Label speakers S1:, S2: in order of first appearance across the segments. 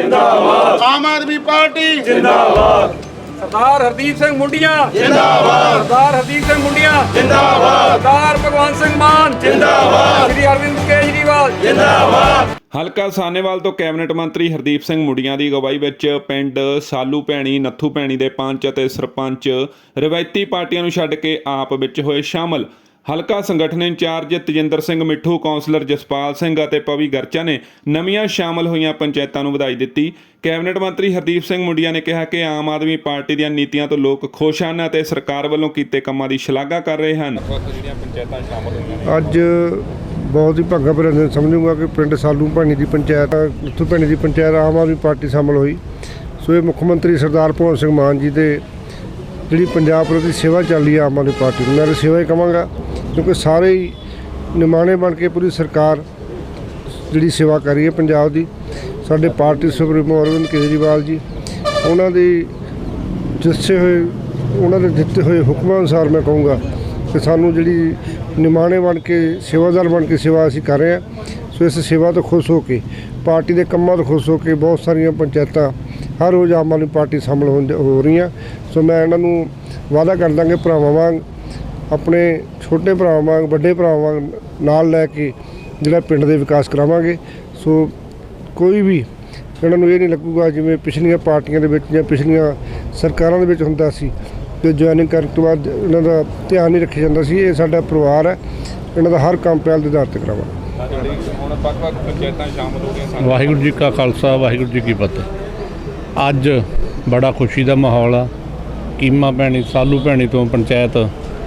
S1: जिंदाबाद, आम आदमी पार्टी जिंदाबाद,
S2: सरदार हरदीप सिंह मुंडिया
S1: जिंदाबाद,
S2: सरदार हरदीप सिंह मुंडिया
S1: जिंदाबाद,
S2: सरदार भगवंत सिंह मान
S1: जिंदाबाद,
S2: श्री अरविंद केजरीवाल
S1: जिंदाबाद।
S3: ਹਲਕਾ ਸਾਹਨੇਵਾਲ ਤੋਂ ਕੈਬਨਿਟ ਮੰਤਰੀ ਹਰਦੀਪ ਸਿੰਘ ਮੁੰਡੀਆਂ ਦੀ ਅਗਵਾਈ ਵਿੱਚ ਪਿੰਡ ਸਾਲੂ ਭੈਣੀ ਨੱਥੂ ਭੈਣੀ ਦੇ ਪੰਚ ਅਤੇ ਸਰਪੰਚ ਰਵਾਇਤੀ ਪਾਰਟੀਆਂ ਨੂੰ ਛੱਡ ਕੇ ਆਪ ਵਿੱਚ ਹੋਏ ਸ਼ਾਮਲ। ਹਲਕਾ ਸੰਗਠਨ ਇੰਚਾਰਜ ਤਜਿੰਦਰ ਸਿੰਘ ਮਿੱਠੂ, ਕੌਂਸਲਰ ਜਸਪਾਲ ਸਿੰਘ ਅਤੇ ਪਵੀ ਗਰਚਾ ਨੇ ਨਵੀਆਂ ਸ਼ਾਮਲ ਹੋਈਆਂ ਪੰਚਾਇਤਾਂ ਨੂੰ ਵਧਾਈ ਦਿੱਤੀ। ਕੈਬਨਿਟ ਮੰਤਰੀ ਹਰਦੀਪ ਸਿੰਘ ਮੁੰਡੀਆਂ ਨੇ ਕਿਹਾ ਕਿ ਆਮ ਆਦਮੀ ਪਾਰਟੀ ਦੀਆਂ ਨੀਤੀਆਂ ਤੋਂ ਲੋਕ ਖੁਸ਼ ਹਨ ਅਤੇ ਸਰਕਾਰ ਵੱਲੋਂ ਕੀਤੇ ਕੰਮਾਂ ਦੀ ਸ਼ਲਾਘਾ ਕਰ ਰਹੇ ਹਨ। ਜਿਹੜੀਆਂ ਪੰਚਾਇਤਾਂ ਸ਼ਾਮਲ ਹੋਈਆਂ
S4: ਅੱਜ बहुत ही भागा भरा दिन समझूंगा कि पिंड सालू भैनी की पंचायत नत्थू भैनी की पंचायत आम आदमी पार्टी शामिल हुई। सो ये मुख्यमंत्री सरदार भगवंत सिंह मान जी के जी पंजाब प्रति सेवा चल रही है आम आदमी पार्टी मैं तो सेवा ही कहांगा, क्योंकि सारे ही निमाणे बन के पूरी सरकार जी सेवा कर रही है पंजाब की। साडे पार्टी सुप्रीमो अरविंद केजरीवाल जी उन्होंने दसे हुए उन्होंने दिते हुए हुक्मां अनुसार मैं कहूँगा कि सानू जी निमाणे बन के सेवादार बन के सेवा असीं कर रहे हैं। सो इस सेवा तो खुश हो के पार्टी के कामों तो खुश हो के बहुत सारिया पंचायत हर रोज़ आम आदमी पार्टी शामिल हो रही हैं। सो मैं इन्हों वादा करदा कि भरावां वांग अपने छोटे भरावां वांग बड़े भरावां वांग नाल लैके जिहड़ा पिंड दे विकास करावांगे। सो कोई भी इन्हों ये नहीं लगूगा जिवें पिछलियां पार्टियां दे विच जां पिछलियां सरकारां दे विच हुंदा सी ਤੇ ਜੁਆਇਨਿੰਗ ਕਰਨ ਤੋਂ ਬਾਅਦ ਇਹਨਾਂ ਦਾ ਧਿਆਨ ਨਹੀਂ ਰੱਖਿਆ ਜਾਂਦਾ ਸੀ। ਇਹ ਸਾਡਾ ਪਰਿਵਾਰ ਹੈ, ਇਹਨਾਂ ਦਾ ਹਰ ਕੰਮ ਪਹਿਲ ਦੇ ਆਧਾਰ ਤੇ ਕਰਾਵਾਂਗੇ।
S3: ਹੁਣ ਵੱਖ-ਵੱਖ ਪੰਚਾਇਤਾਂ ਸ਼ਾਮਲ ਹੋ ਗਈਆਂ।
S5: ਵਾਹਿਗੁਰੂ ਜੀ ਕਾ ਖਾਲਸਾ ਵਾਹਿਗੁਰੂ ਜੀ ਕੀ ਫਤਿਹ। ਅੱਜ ਬੜਾ ਖੁਸ਼ੀ ਦਾ ਮਾਹੌਲ ਆ। ਕੀਮਾ ਭੈਣੀ ਸਾਲੂ ਭੈਣੀ ਤੋਂ ਪੰਚਾਇਤ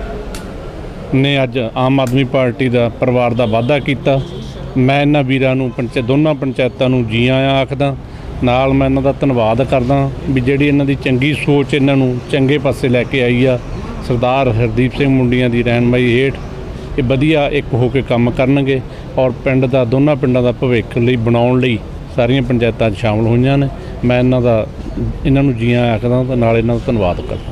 S5: ਨੇ ਅੱਜ ਆਮ ਆਦਮੀ ਪਾਰਟੀ ਦਾ ਪਰਿਵਾਰ ਦਾ ਵਾਅਦਾ ਕੀਤਾ। ਮੈਂ ਇਹਨਾਂ ਵੀਰਾਂ ਨੂੰ ਦੋਨਾਂ ਪੰਚਾਇਤਾਂ ਨੂੰ ਜੀ ਆਇਆਂ ਆਖਦਾ। ਨਾਲ ਮੈਂ ਇਹਨਾਂ ਦਾ ਧੰਨਵਾਦ ਕਰਦਾ ਵੀ ਜਿਹੜੀ ਇਹਨਾਂ ਦੀ ਚੰਗੀ ਸੋਚ ਇਹਨਾਂ ਨੂੰ ਚੰਗੇ ਪਾਸੇ ਲੈ ਕੇ ਆਈ ਆ। ਸਰਦਾਰ ਹਰਦੀਪ ਸਿੰਘ ਮੁੰਡੀਆਂ ਦੀ ਰਹਿਨਮਾਈ ਹੇਠ ਇਹ ਵਧੀਆ ਇੱਕ ਹੋ ਕੇ ਕੰਮ ਕਰਨਗੇ ਔਰ ਪਿੰਡ ਦਾ ਦੋਨਾਂ ਪਿੰਡਾਂ ਦਾ ਭਵਿੱਖ ਲਈ ਬਣਾਉਣ ਲਈ ਸਾਰੀਆਂ ਪੰਚਾਇਤਾਂ 'ਚ ਸ਼ਾਮਲ ਹੋਈਆਂ ਨੇ। ਮੈਂ ਇਹਨਾਂ ਨੂੰ ਜੀ ਆਇਆਂ ਆਖਦਾ ਤੇ ਨਾਲ ਇਹਨਾਂ ਦਾ ਧੰਨਵਾਦ ਕਰਦਾ।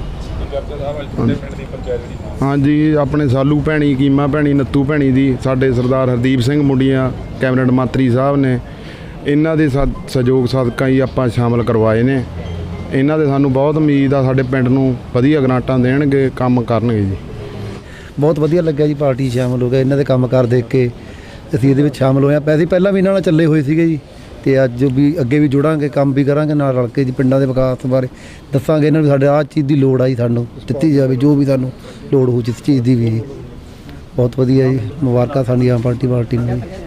S6: हाँ जी, अपने सालू भैनी कीमा भैनी नत्थू भैनी दी साडे सरदार हरदीप सिंह मुंडिया कैबिनेट मंत्री साहब ने इन्हां दे सहयोग सदका ही आपां शामिल करवाए ने। इन्हां दे सानूं बहुत उम्मीद आ साडे पिंड नूं वधिया ग्रांटां देणगे, काम करनगे जी।
S7: बहुत वधिया लग्गिया जी, पार्टी शामिल हो गए। इन्हां दे काम कार देख के असीं इहदे विच शामिल होए। पैसे पहलां भी इन्हां नाल ਚੱਲੇ ਹੋਏ ਸੀਗੇ ਜੀ ਤੇ ਅੱਜ ਵੀ ਅੱਗੇ ਵੀ ਜੁੜਾਂਗੇ, ਕੰਮ ਵੀ ਕਰਾਂਗੇ ਨਾਲ ਰਲ ਕੇ ਜੀ। ਪਿੰਡਾਂ ਦੇ ਵਿਕਾਸ ਬਾਰੇ ਦੱਸਾਂਗੇ ਇਹਨਾਂ ਨੂੰ, ਸਾਡੇ ਆਹ ਚੀਜ਼ ਦੀ ਲੋੜ ਆਈ, ਸਾਨੂੰ ਦਿੱਤੀ ਜਾਵੇ ਜੋ ਵੀ ਸਾਨੂੰ ਲੋੜ ਹੋ ਜਿਸ ਚੀਜ਼ ਦੀ ਵੀ। ਬਹੁਤ ਵਧੀਆ ਜੀ, ਮੁਬਾਰਕਾਂ ਸਾਡੀ ਆਮ ਪਾਰਟੀ ਨੂੰ।